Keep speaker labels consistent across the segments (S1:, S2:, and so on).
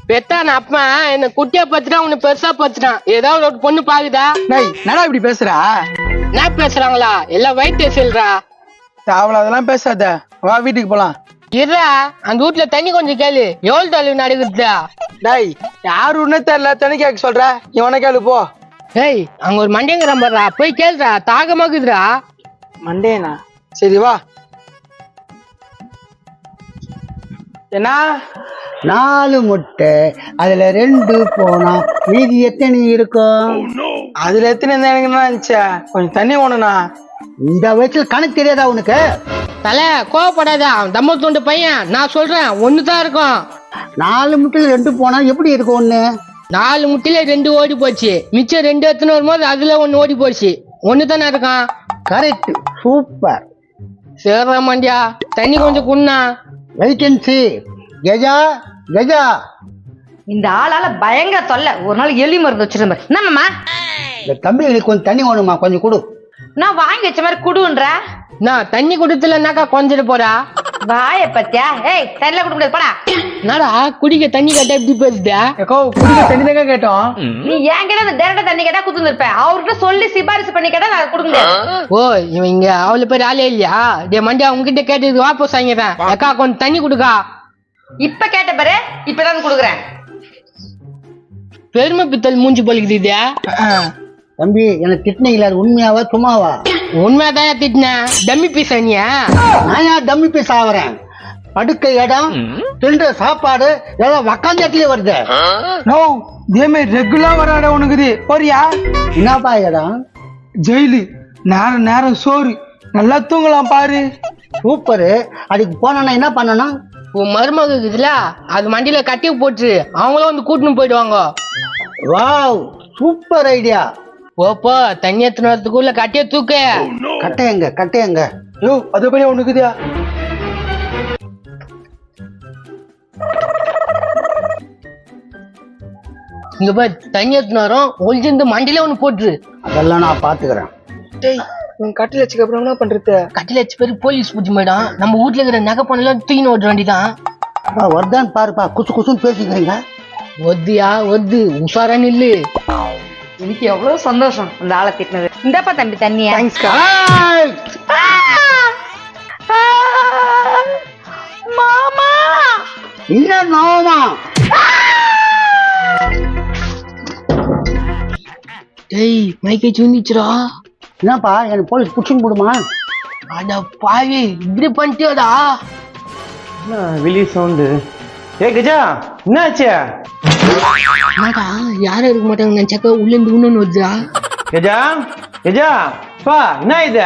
S1: பெத்தான அப்பா என்ன குட்டியா பத்துட்டான் உன்னை பெருசா பத்துட்டான். ஏதாவது ஒரு பொண்ணு பாக்குதா?
S2: என்னடா இப்படி பேசுறா?
S1: என்ன பேசுறாங்களா? எல்லாம் வயிற்று செல்றா.
S2: அவள அதெல்லாம் பேசாத, வா வீட்டுக்கு போலாம்.
S1: இருடா, அந்த வீட்டுல தண்ணி கொஞ்சம் கேளு. எவ்வளவு தொலைவு நடக்குதுடா?
S2: டேய், யாரு ஒண்ணு தெரியல, தண்ணி கேட்க சொல்ற, இவனை கேளு போ.
S1: ஏய், அங்க ஒரு மண்டையங்கிறான் பாருடா, போய் கேளுடா, தாகமாக்குதுடா.
S2: மண்டேனா? சரி வா. என்ன?
S3: 4 முட்டை, அதுல 2 போனா மீதி எத்தனை இருக்கும்?
S2: அதுல எத்தனை இருந்தா எனக்கு என்ன இருந்துச்சா? கொஞ்சம் தண்ணி ஓணுண்ணா.
S3: இந்த வயசுல கணக்கு தெரியாதா உனக்கு?
S1: தலை கோவப்படாத, அவன் தம்ம தூண்டு பையன். நான் சொல்றேன், ஒண்ணுதான் இருக்கும்.
S3: 4 முட்டையில 2 போனா எப்படி இருக்கும் ஒண்ணு?
S1: 4 முட்டையில 2 ஓடி போச்சு, மிச்சம் 2 எத்தனை வரும்போது அதுல 1 ஓடி போச்சு. ஒண்ணுதானே இருக்கான்.
S3: Correct, super.
S1: சேர்ற மாண்டியா, தண்ணி கொஞ்சம் குண்ணா.
S3: Wait and see. கஜா கஜா,
S4: இந்த ஆளால பயங்கர தொல்லை. ஒரு நாள் எலி மருந்து வச்சிருந்தேன். என்னம்மா?
S3: இந்த தம்பிகளுக்கு கொஞ்சம் தண்ணி வேணுமா, கொஞ்சம் கொடு.
S4: நான் வாங்கி வச்ச மாதிரி குடுன்ற.
S1: நான் தண்ணி குடுத்துலன்னாக்கா கொஞ்சிட்டு போறா.
S4: வாய பத்தியா? ஏய், தண்ணில குடுக்க முடியாது, போடா.
S1: என்னடா குடிக்க தண்ணி கேட்டா எப்படி பேசுதா?
S2: ஏக்கோ, குடிக்க தண்ணி தாங்க கேட்டோம்.
S4: நீ ஏன் கேட்டா அந்த டேரக்டா தண்ணி கேட்டா குத்துந்திருப்பேன். அவர்கிட்ட சொல்லி சிபாரிசு பண்ணி கேட்டா நான் கொடுக்க முடியாது.
S1: ஓ, இவன் இங்க அவ்வளவு பேர் ஆளே இல்லையா? டே மண்டியா, உங்ககிட்ட கேட்டது வாபஸ் வாங்கிறேன். அக்கா கொஞ்சம் தண்ணி குடுக்கா.
S4: இப்ப கேட்ட பாரு, இப்பதான் குடுக்குறேன்.
S1: பெருமை பித்தல் மூஞ்சி பலிக்குது.
S3: தம்பி, எனக்கு திட்டினீங்களா? அது உண்மையாவா சும்மாவா?
S1: உண்மையாதான் திட்டினேன். டம்மி பீஸ் அண்ணியா?
S3: நான் ஏன் டம்மி பீஸ் ஆகுறேன்? படுக்க இடம், தின்ற சாப்பாடு எல்லாம் உக்காந்த இடத்துலயே வருது.
S2: நோ, இதே மாதிரி ரெகுலரா வராட உனக்குது. போறியா?
S3: என்னப்பா இடம்?
S2: ஜெயிலு, நேரம் நேரம் சோறு, நல்லா தூங்கலாம் பாரு.
S3: சூப்பரு. அதுக்கு போனா என்ன பண்ணணும்?
S1: உன் மருமக இருக்குதுல, அது மண்டியில கட்டி போட்டு அவங்களும் வந்து கூட்டின்னு போயிடுவாங்க.
S3: Wow, super idea.
S1: ஓப்போ, தண்ணி எத்தனை வரத்துக்குள்ள கட்டிய தூக்க.
S3: கட்டையங்க கட்டையங்க.
S2: யோ, அதுபடி உனக்குதியா?
S1: இங்க போய் தண்ணி எத்தனை வரும், ஒளிஞ்சிருந்து மண்டியில ஒண்ணு போட்டுரு.
S3: அதெல்லாம் நான் பாத்துக்கிறேன்.
S2: டேய், உன் கட்டில வச்சுக்க அப்புறம் என்ன பண்றது?
S1: கட்டில வச்சு பேரு போலீஸ் பூச்சி போயிடும். நம்ம வீட்டுல இருக்கிற நகை பண்ணலாம் தூக்கின்னு ஓட்ட வேண்டிதான்.
S3: வருதான்னு பாருப்பா, குசு குசுன்னு பேசிக்கிறீங்க.
S1: ஒத்தியா ஒத்து, உஷாரான்னு இல்லு.
S4: எனக்கு எவ்வளவு சந்தோஷம் அந்த ஆளை திட்டினது. இந்தப்பா தம்பி தண்ணியா.
S2: தேங்க்ஸ்க்கா.
S4: மாமா,
S3: என்ன நோமா?
S1: டேய், மைக்கை சுந்திச்சுரா.
S3: என்னப்பா, எனக்கு போலீஸ் புடிச்சுன்னு போடுமா?
S1: அட பாவி, இப்படி பண்ணிட்டியோடா.
S5: வெளி சவுண்டு. ஏ கஜா, என்னாச்சு?
S1: என்னடா, யாரும் இருக்க மாட்டாங்க நினைச்சாக்க உள்ள இருந்து இன்னொன்னு வருதா?
S5: கஜா கஜா, பா என்ன இது?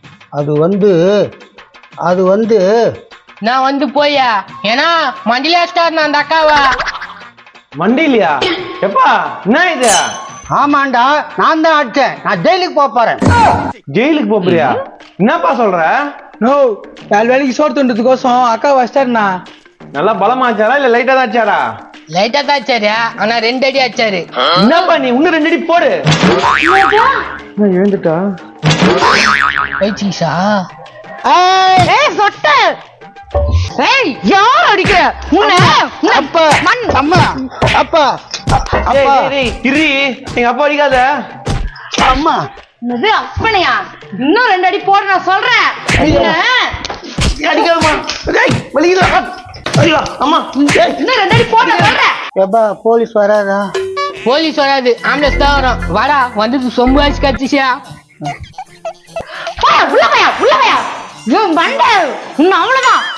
S3: அது வந்து
S1: நான் வந்து போயா, ஏன்னா மண்டில வச்சிட்டாரு அந்த அக்காவா.
S5: மண்டிலியா? எப்பா என்ன இது?
S3: ஆமாண்டா, நான் தான் அடிச்சேன். நான் ஜெயிலுக்கு போறேன்.
S5: ஜெயிலுக்கு போறியா? என்னப்பா சொல்ற?
S2: நோ, 4 வேலைக்கு சோறு தோண்டதுக்கோசம் அக்கா வச்சிட்டாருண்ணா.
S5: நல்லா பலமாச்சாரா இல்ல லைட்டா தான் ஆச்சாரா?
S1: லைட்டா தான் ஆச்சாரு, ஆனா 2 அடி ஆச்சாரு.
S5: என்னப்பா நீ இன்னும் 2 அடி போடு. எழுந்துட்டா?
S1: ஐச்சீசா.
S4: ஏய் சொட்ட. ஏய், யார் அடிக்கிற?
S3: அப்பா, அம்மா, அப்பா, அப்பா,
S5: இரு, எங்க அப்பா அடிக்காத.
S3: அம்மா.
S4: இது அப்பனையா? இன்னும் 2 அடி போடு நான் சொல்றேன்.
S5: அடிக்காதம்மா. டேய், வலிக்குதா? ஐயோ, அம்மா.
S4: இன்னும் 2 அடி போடு நான் சொல்றேன்.
S3: எப்பா போலீஸ் வராதா?
S1: போலீஸ் வராது, ஆம்புலன்ஸ் தான் வரும். வாடா, வந்து சொம்பு ஆச்சு கட்சிச்சியா.
S4: உள்ள போயா. மண்டை, இன்னும் அவ்வளவுதான்.